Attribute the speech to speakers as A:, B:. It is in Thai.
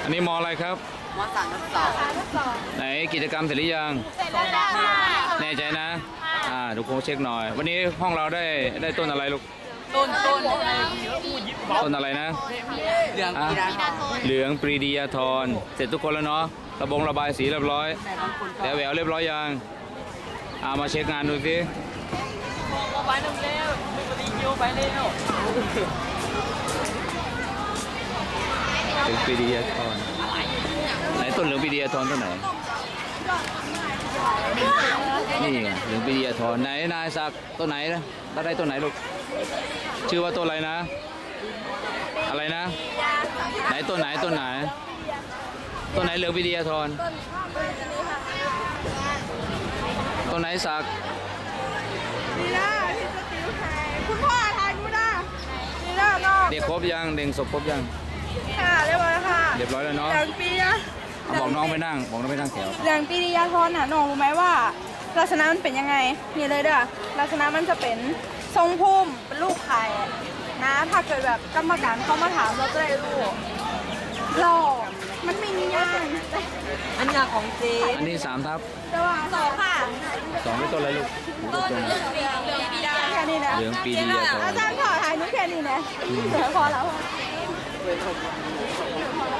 A: อันนี้มออะไรครับ
B: มสามทับสอง
A: ไหนกิจกรรมเสร็จหรือยัง
B: เสร็จแล้วค่ะ
A: แน่ใจนะทุกคนเช็คหน่อย วันนี้ห้องเราได้ต้นอะไรลูก
B: ต้น
A: ต้นอะไรนะ
B: เหลืองกีฬา
A: เหลืองปรีดียาธรเสร็จทุกคนแล้วเนาะระบายสีเรียบร้อยแต่แหววเรียบร้อยยังมาเช็คงานดูสิ
B: ไปน้ำแล้วไม่ปฏิโยไปแล้ว
A: เหลืองปรีดียาธรไหนต้นเหลืองปรีดียาธรต้นไหนนี่ไงเหลืองปรีดียาธรไหนนายศักดิ์ต้นไหนนะได้ต้นไหนลูกชื่อว่าต้นอะไรนะ อะไรนะไหนต้นไหนต้นไหนเหลืองปรีดียาธรต้นไหนศักดิ์
C: นี่นะที่สติวไทยคุณพ่อทายกูนะนี่นะน้อง
A: เด็กครบยังเด็กศพครบยัง
C: ค่ะเรียบร้อยค่ะ
A: เรียบร้อยแล้วเนาะ
C: อย่างปีนะ
A: บอกน้องไปนั่งแถว
C: อย่างปีริยาธรน่ะน้องรู้ไหมว่าลักษณะมันเป็นยังไงนี่เลยเด้อลักษณะมันจะเป็นทรงพุ่มเป็นลูกไข่นะ ถ้าเกิดแบบกรรมการเข้ามาถามเราจะได้รู้หล่อมันมีนิยาม
B: อันนี้ของเจ๊
A: อันนี้3 ทับ
C: แต่ว่าสองค่ะ
A: 2เป็นต้นอะไรลูกต้น
C: แค่นี้นะ
A: เหลืองปรีดียาธร
C: อาจารย์ขอถ่ายนุ้แค่นี้นะเดี๋ยวพอแล้ว